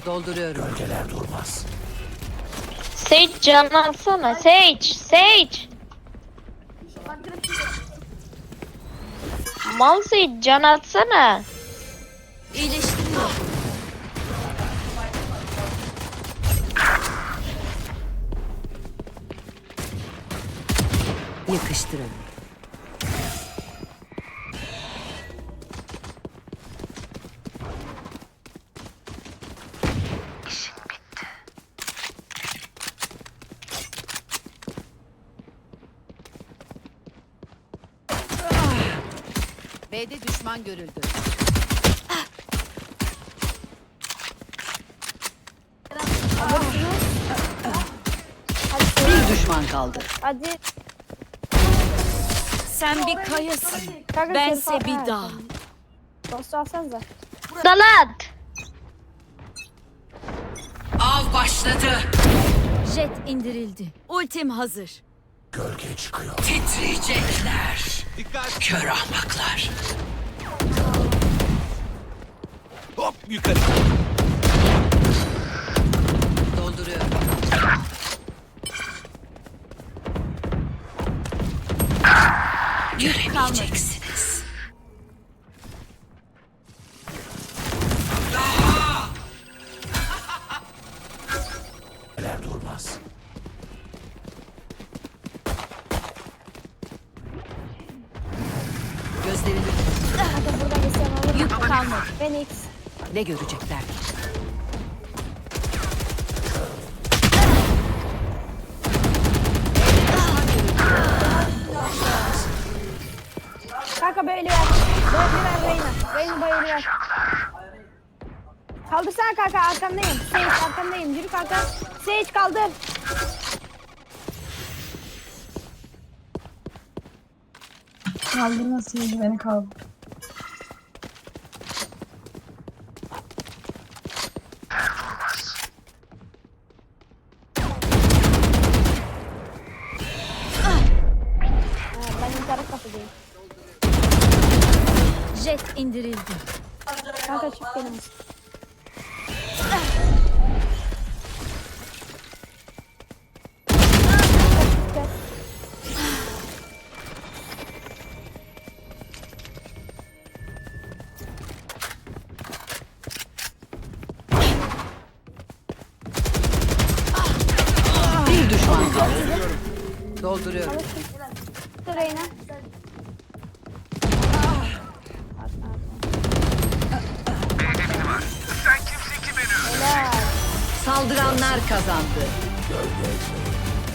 Dolduruyorum. Gölgeler durmaz. Sage can alsana. Sage. Mal Sage can atsana. İyileştiriyor. Yakıştırın. B'de düşman görüldü. Bir düşman kaldı. Hadi. Sen bir kayasın. Kanka Bense şerif al. bir Ha, dağ. Dostu alsanıza. Dalat. Av başladı. Jet indirildi. Ultim hazır. Gölge çıkıyor. Titriyecekler. Dikkat. Kör ahmaklar. Hop yukarı. Dolduruyorum. Göremeyeceksiniz. Neler durmaz. Gözlerini Hadi buradan geçelim olur. Yük kalmadı. Phoenix. ne görecekler ki? Kanka böyle ver. Böyle ver Reyna. Reyna böyle ver. Kaldırsana kanka arkandayım. Sage arkandayım. Yürü kanka. Sage kaldır. Kaldırma sevgi beni kaldır. Ben internet kafedeyim. Jet indirildi. Kanka çık benim. Bir düşman kaldı. Dolduruyorum. Dur Reyna. Helal. Saldıranlar kazandı.